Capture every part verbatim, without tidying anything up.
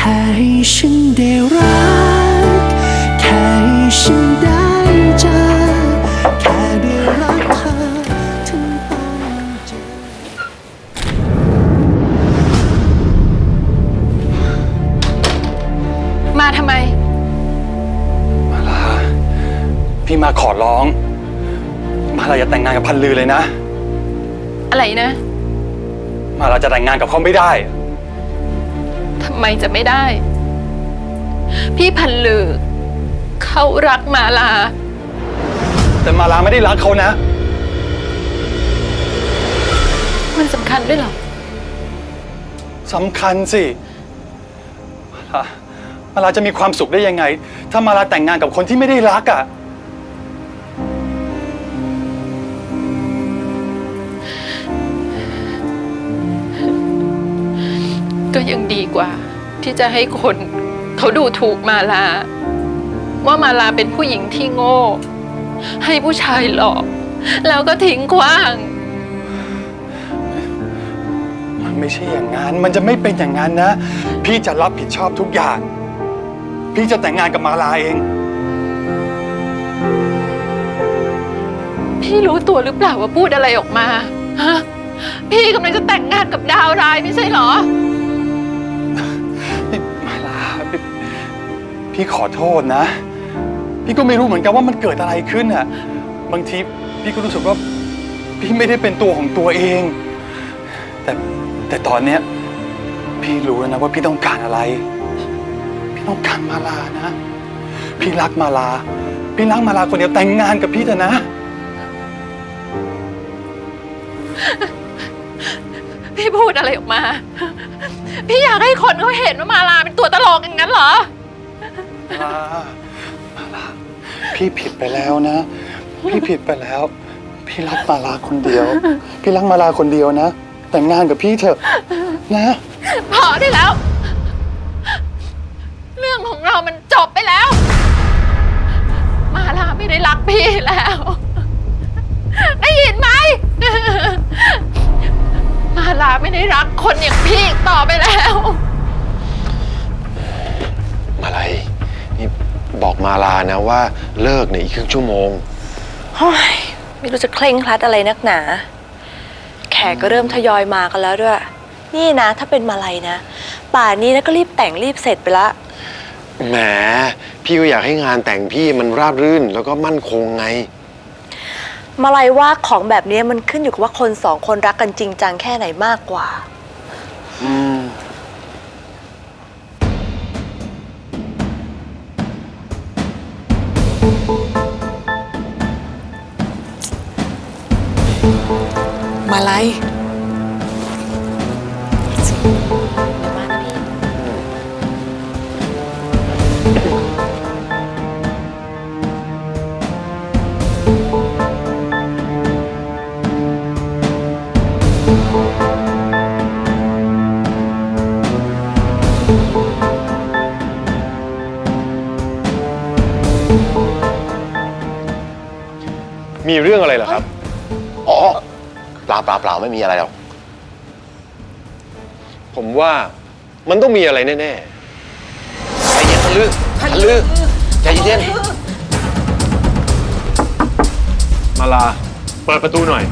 ค่ให้ฉันได้รักแค่ให้ฉันได้เจอแค่ได้รักเธอถึงต้องเจอมาทำไมมาลาพี่มาขอร้องมาลาอย่าแต่งงานกับพันลือเลยนะอะไรนะมาลาจะแต่งงานกับเขาไม่ได้ทำไมจะไม่ได้พี่พันลือเขารักมาลาแต่มาลาไม่ได้รักเขานะมันสำคัญด้วยเหรอสำคัญสิมาลามาลาจะมีความสุขได้ยังไงถ้ามาลาแต่งงานกับคนที่ไม่ได้รักอ่ะก็ยังดีกว่าที่จะให้คนเขาดูถูกมาลาว่ามาลาเป็นผู้หญิงที่โง่ให้ผู้ชายหลอกแล้วก็ทิ้งขว้างมันไม่ใช่อย่างนั้นมันจะไม่เป็นอย่างนั้นนะพี่จะรับผิดชอบทุกอย่างพี่จะแต่งงานกับมาลาเองพี่รู้ตัวหรือเปล่าว่าพูดอะไรออกมาฮะพี่กำลังจะแต่งงานกับดาวร้ายไม่ใช่เหรอมาลาพี่พี่ขอโทษนะพี่ก็ไม่รู้เหมือนกันว่ามันเกิดอะไรขึ้นอ่ะบางทีพี่ก็รู้สึกว่าพี่ไม่ได้เป็นตัวของตัวเองแต่แต่ตอนเนี้ยพี่รู้แล้วนะว่าพี่ต้องการอะไรพี่ต้องการมาลานะพี่รักมาลาพี่รักมาลาคนเดียวแต่งงานกับพี่เถอะนะพี่พูดอะไรออกมาพี่อยากให้คนเขาเห็นว่ามาลาเป็นตัวตลกอย่างนั้นเหรอมาลาพี่ผิดไปแล้วนะพี่ผิดไปแล้วพี่รักมาลาคนเดียวพี่รักมาลาคนเดียวนะแต่งงานกับพี่เถอะนะพอได้แล้วเรื่องของเรามันจบไปแล้วมาลาไม่ได้รักพี่แล้วได้ยินไหมมาลาไม่ได้รักคนอย่างพี่ต่อไปแล้วมาลัยนี่บอกมาลานะว่าเลิกในอีกครึ่งชั่วโมงเฮ้ยไม่รู้จะเคร่งครัดอะไรนักหนาแขกก็เริ่มทยอยมากันแล้วด้วยนี่นะถ้าเป็นมาลัยนะป่านนี้นะก็รีบแต่งรีบเสร็จไปละแหมพี่ก็อยากให้งานแต่งพี่มันราบรื่นแล้วก็มั่นคงไงมาลัยว่าของแบบนี้มันขึ้นอยู่กับว่าคนสองคนรักกันจริงจังแค่ไหนมากกว่าอืมมาลัยมีเรื่องอะไรเหรอครับอ๋อเปล่าเปล่าเปล่าไม่มีอะไรหรอกผมว่ามันต้องมีอะไรแน่ๆใจเย็นทะลึ่งทะลึ่งใจเย็นมาลาเปิดประตูหน่อย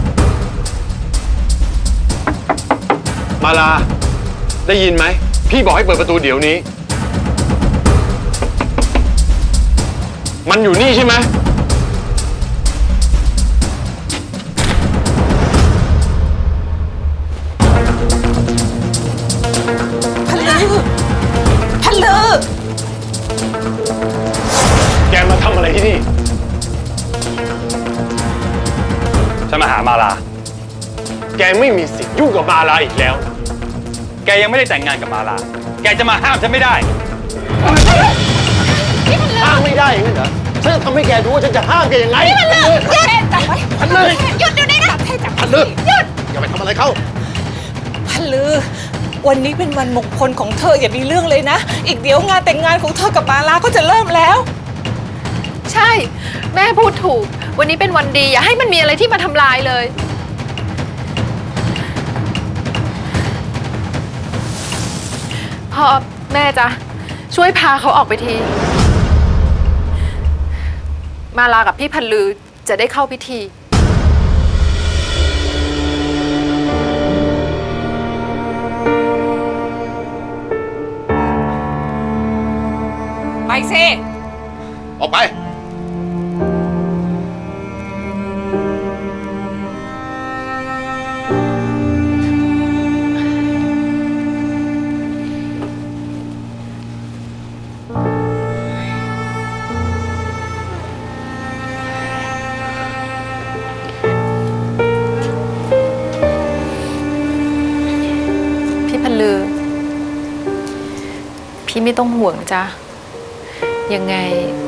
มาลาได้ยินไหมพี่บอกให้เปิดประตูเดี๋ยวนี้มันอยู่นี่ใช่ไหมพันลือแกมาทำอะไรที่นี่ฉันมาหามาลาแกไม่มีสิทธิ์ยุ่งกับมาลาอีกแล้วแกยังไม่ได้แต่งงานกับมาลาแกจะมาห้ามฉันไม่ได้ห้ามไม่ได้อย่างนั้นเหรอฉันจะทำให้แกดูว่าฉันจะห้ามแกยังไงพันลือหยุดจับไว้พันลือหยุดเดี๋ยวนี้นะพันลือหยุดอย่าไปทำอะไรเขาพันลือวันนี้เป็นวันมงคลของเธออย่ามีเรื่องเลยนะอีกเดี๋ยวงานแต่งงานของเธอกับมาลาก็จะเริ่มแล้วใช่แม่พูดถูกวันนี้เป็นวันดีอย่าให้มันมีอะไรที่มาทำลายเลยพอแม่จ๊ะช่วยพาเขาออกไปที มาลากับพี่พันลือจะได้เข้าพิธีไปสิออกไปพี่พันลือ พี่ไม่ต้องห่วงจ้ะยังไง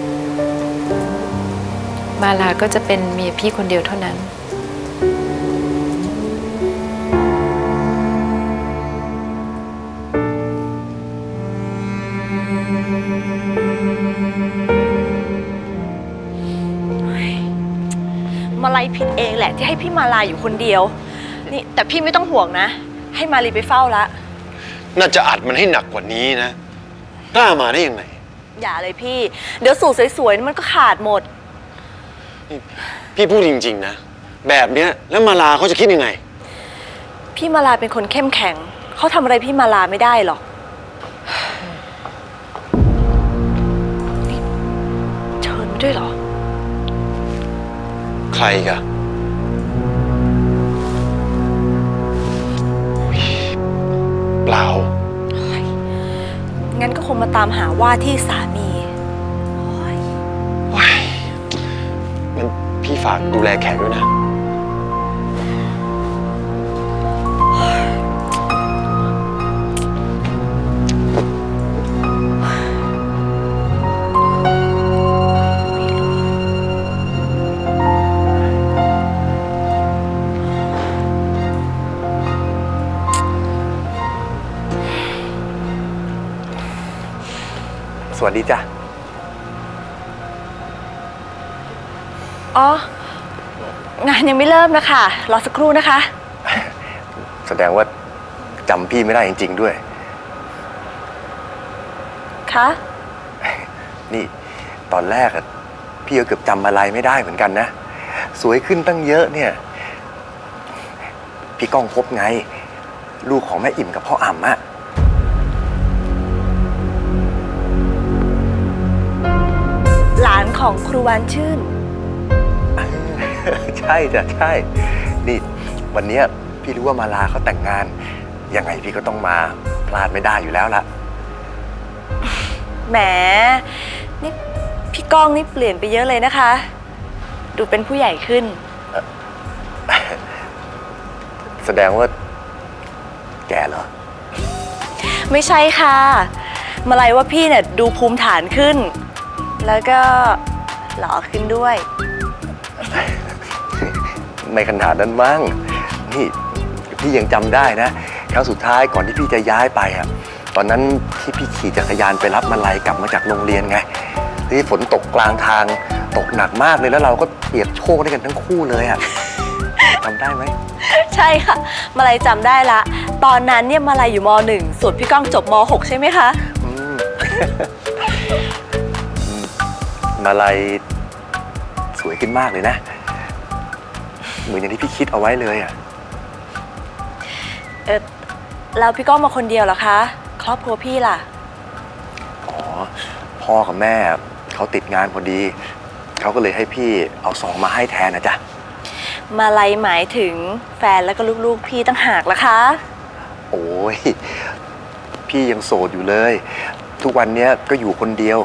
มาลาก็จะเป็นเมียพี่คนเดียวเท่านั้นมาลัยผิดเองแหละที่ให้พี่มาลาอยู่คนเดียว นี่แต่พี่ไม่ต้องห่วงนะ ให้มาลีไปเฝ้าละน่าจะอัดมันให้หนักกว่านี้นะ กล้ามาได้ยังไงอย่าเลยพี่ เดี๋ยวสูตรสวยๆมันก็ขาดหมดพี่พูดจริงๆนะ แบบเนี้ยแล้วมาลาเขาจะคิดยังไงพี่มาลาเป็นคนเข้มแข็ง เขาทำอะไรพี่มาลาไม่ได้หรอกนี่เชิญมาด้วยเหรอใครกะเปล่างั้นก็คงมาตามหาว่าที่สามีโอ๊ยว้ายงั้นพี่ฝากดูแลแขกด้วยนะสวัสดีจ้ะอ๋อ งานยังไม่เริ่มนะคะ รอสักครู่นะคะแสดงว่าจำพี่ไม่ได้จริงๆด้วยคะนี่ตอนแรกอะพี่ก็เกือบจำอะไรไม่ได้เหมือนกันนะ สวยขึ้นตั้งเยอะเนี่ย พี่ก้องพบไง ลูกของแม่อิ่มกับพ่ออ่ำอะหลานของครูวานชื่นใช่จ้ะใช่ นี่วันเนี้ยพี่รู้ว่ามาลาเขาแต่งงาน ยังไงพี่ก็ต้องมาพลาดไม่ได้อยู่แล้วละแหม นี่พี่ก้องนี่เปลี่ยนไปเยอะเลยนะคะ ดูเป็นผู้ใหญ่ขึ้นแสดงว่าแกเหรอไม่ใช่ค่ะ มาลัยว่าพี่เนี่ยดูภูมิฐานขึ้น แล้วก็หล่อขึ้นด้วยไม่ขนาดนั้นมั้ง นี่พี่ยังจำได้นะ ครั้งสุดท้ายก่อนที่พี่จะย้ายไปอะตอนนั้นที่พี่ขี่จักรยานไปรับมาลัยกลับมาจากโรงเรียนไง ที่ฝนตกกลางทางตกหนักมากเลยแล้วเราก็เปียกโชกด้วยกันทั้งคู่เลยอะจำได้ไหมใช่ค่ะ มาลัยจำได้ละ ตอนนั้นเนี่ยมาลัยอยู่มหนึ่งส่วนพี่ก้องจบมหกใช่ไหมคะอืม มาลัยสวยขึ้นมากเลยนะ เหมือนอย่างที่พี่คิดเอาไว้เลยอะเออแล้วพี่ก้องมาคนเดียวเหรอคะ ครอบครัวพี่ล่ะอ๋อ พ่อกับแม่เขาติดงานพอดี เขาก็เลยให้พี่เอาซองมาให้แทนนะจ๊ะมาลัยหมายถึงแฟนแล้วก็ลูกๆพี่ตั้งหากล่ะคะโอ้ย พี่ยังโสดอยู่เลย ทุกวันเนี้ยก็อยู่คนเดียว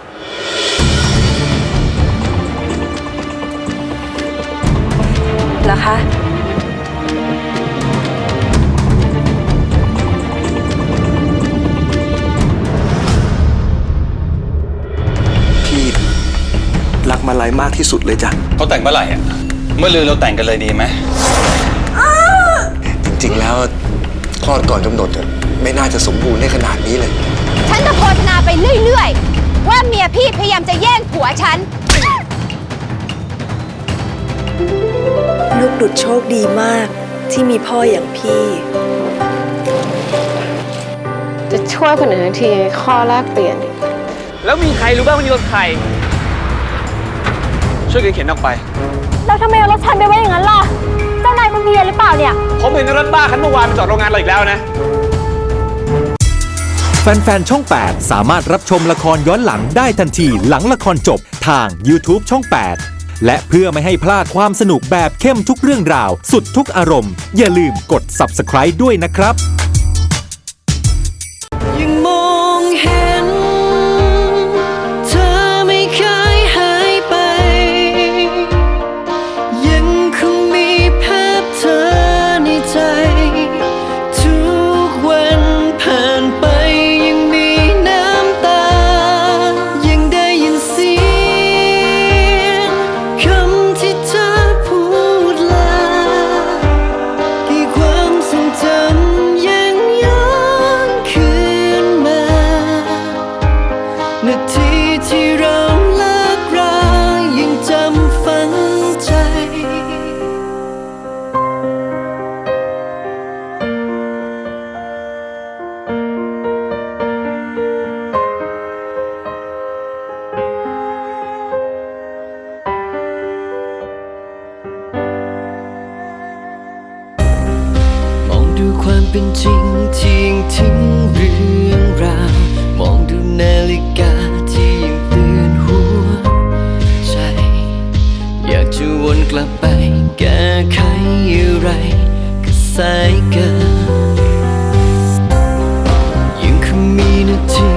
เหรอคะพี่รักมาลัยมากที่สุดเลยจ้ะเขาแต่งเมื่อไหร่อ่ะ เมื่อลือเราแต่งกันเลยดีไหมจริงๆแล้วคลอดก่อนกำหนดอะไม่น่าจะสมบูรณ์ได้ขนาดนี้เลยฉันจะโฆษณาไปเรื่อยๆ ว่าเมียพี่พยายามจะแย่งผัวฉันลูกดุจโชคดีมากที่มีพ่ออย่างพี่จะช่วยคนอื่นทั้งทีข้อแรกเปลี่ยนดิแล้วมีใครรู้บ้างว่านี่รถใคร ช่วยกันเข็นออกไปแล้วทำไมเอารถฉันไปไว้อย่างนั้นล่ะ เจ้านายคุณเพียรหรือเปล่าเนี่ยผมเห็นรถบ้าคันเมื่อวานไปจอดโรงงานเราอีกแล้วนะแฟนๆ ช่อง แปด สามารถรับชมละครย้อนหลังได้ทันทีหลังละครจบทาง YouTube ช่อง แปด และเพื่อไม่ให้พลาดความสนุกแบบเข้มทุกเรื่องราว สุดทุกอารมณ์ อย่าลืมกด Subscribe ด้วยนะครับยังมองเห็นเธอไม่เคยหายไป ยังคงมีภาพเธอในใจ ทุกวันผ่านไปยังมีน้ำตา ยังได้ยินเสียงคำที่เธอพูดลากี่ความทรงจำยังย้อนคืนมานาทีที่เราเลิกรายังจำฝังใจ มองดูความเป็นจริงที่ยังทิ้งเรื่องราว มองดูนาฬิกาที่ยังเตือนหัวใจ อยากจะวนกลับไปแก้ไขอะไรก็สายเกินยังคงมีนาที